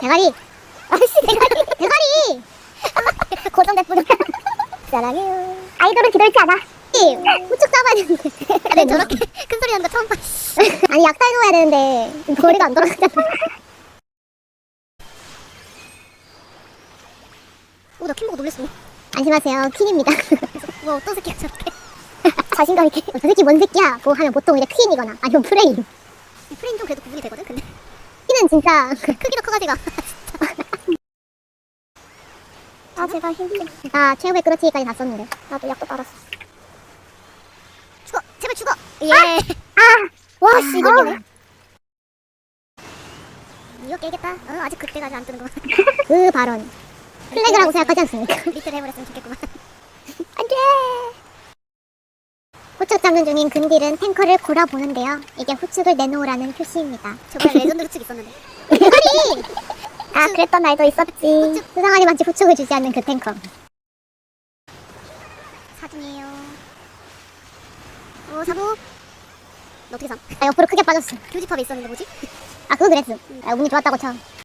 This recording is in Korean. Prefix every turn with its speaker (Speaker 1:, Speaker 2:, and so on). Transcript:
Speaker 1: 대가리. 아씨 대가리. 고정됐구나. 사랑해요. 아이돌은 뒤돌지 않아. 후축 잡아야 되는데.
Speaker 2: 근데 저렇게 큰 소리 나는 거 처음 봐.
Speaker 1: 아니 약탈 넣어야 되는데 머리가 안 돌아가잖아.
Speaker 2: 오, 나 킴 보고 놀랬어.
Speaker 1: 안심하세요. 퀸입니다.
Speaker 2: 와, 어떤 새끼야 저렇게.
Speaker 1: 자신감 있게. 저 새끼 뭔 새끼야? 뭐 하면 보통 이제 퀸이거나 아니면 프레임.
Speaker 2: 프레임 좀 그래도 구분이 되거든. 근데
Speaker 1: 퀸은 진짜
Speaker 2: 크기도 커가지고.
Speaker 1: 아 제발 힘들어. 나 최후의 끌어치기까지 다 썼는데 나도 약도 빨았어.
Speaker 2: 죽어, 제발 죽어. 예.
Speaker 1: 와씨 이거 깨네.
Speaker 2: 이거 깨겠다. 아직 그때까지 안 뜨는 거.
Speaker 1: 그 발언 플래그라고 생각하지 않습니까?
Speaker 2: 리틀 해버렸으면 좋겠구만.
Speaker 1: 안돼. 후축 잡는 중인 근딜은 탱커를 골아보는데요. 이게 후축을 내놓으라는 표시입니다.
Speaker 2: 저번에 레전드 후축 있었는데.
Speaker 1: 대가리! 아 그랬던 날도 있었지. 수상하게 마치 후축을 주지 않는 그 탱커.
Speaker 2: 사중이에요. 사부. 너 어떻게 상?
Speaker 1: 아 옆으로 크게 빠졌어.
Speaker 2: 교집합에 있었는데 뭐지?
Speaker 1: 아 그거 그랬어. 아 운이 좋았다고 쳐.